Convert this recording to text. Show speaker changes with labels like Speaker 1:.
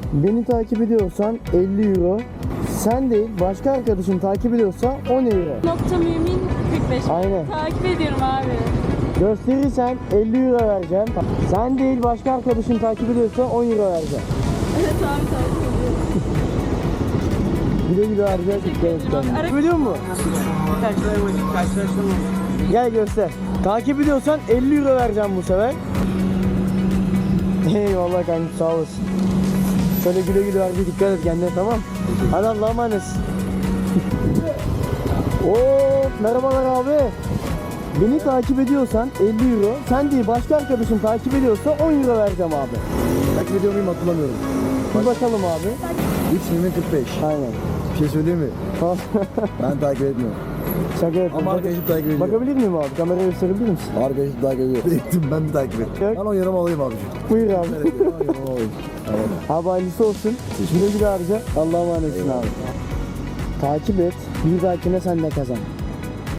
Speaker 1: Beni takip ediyorsan 50 euro. Sen değil başka arkadaşın takip ediyorsa 10 euro.
Speaker 2: Nokta mümin 45.
Speaker 1: Aynen.
Speaker 2: Takip ediyorum abi.
Speaker 1: Gösterirsen 50 euro vereceğim. Sen değil başka arkadaşın takip ediyorsa 10 euro vereceğim.
Speaker 2: Evet abi takip ediyorum.
Speaker 1: Güle güle harcayacak.
Speaker 2: Ara-
Speaker 1: Biliyor musun? Gel göster. Takip ediyorsan 50 euro vereceğim bu sefer. Eyvallah kanka sağ olasın. Şöyle güle güle harcaya dikkat et kendine tamam. Hadi Allah'a emanet. Oo, merhabalar abi. Beni takip ediyorsan 50 euro. Sen değil başka arkadaşın takip ediyorsa 10 euro vereceğim abi.
Speaker 3: Takip ediyor muyum hatırlamıyorum.
Speaker 1: Bir bakalım abi.
Speaker 3: 3.45.
Speaker 1: Aynen.
Speaker 3: Bir şey söyleyeyim mi? Ben takip etmiyorum.
Speaker 1: Şaka yapıyorum.
Speaker 3: Ama arkadaşım takip ediyor.
Speaker 1: Bakabilir miyim abi? Kamerayı gösterebilir misin?
Speaker 3: Arkadaşım takip ediyor. Ben de takip ettim.
Speaker 1: Yok.
Speaker 3: Ben o yanıma alayım abicim.
Speaker 1: Buyur abi.
Speaker 3: Evet, o yanıma alayım. Tamam.
Speaker 1: Abi hayırlısı olsun. Güle güle harca. Allah'a emanetsin abi. Takip et. Bir dahakine sen de kazan.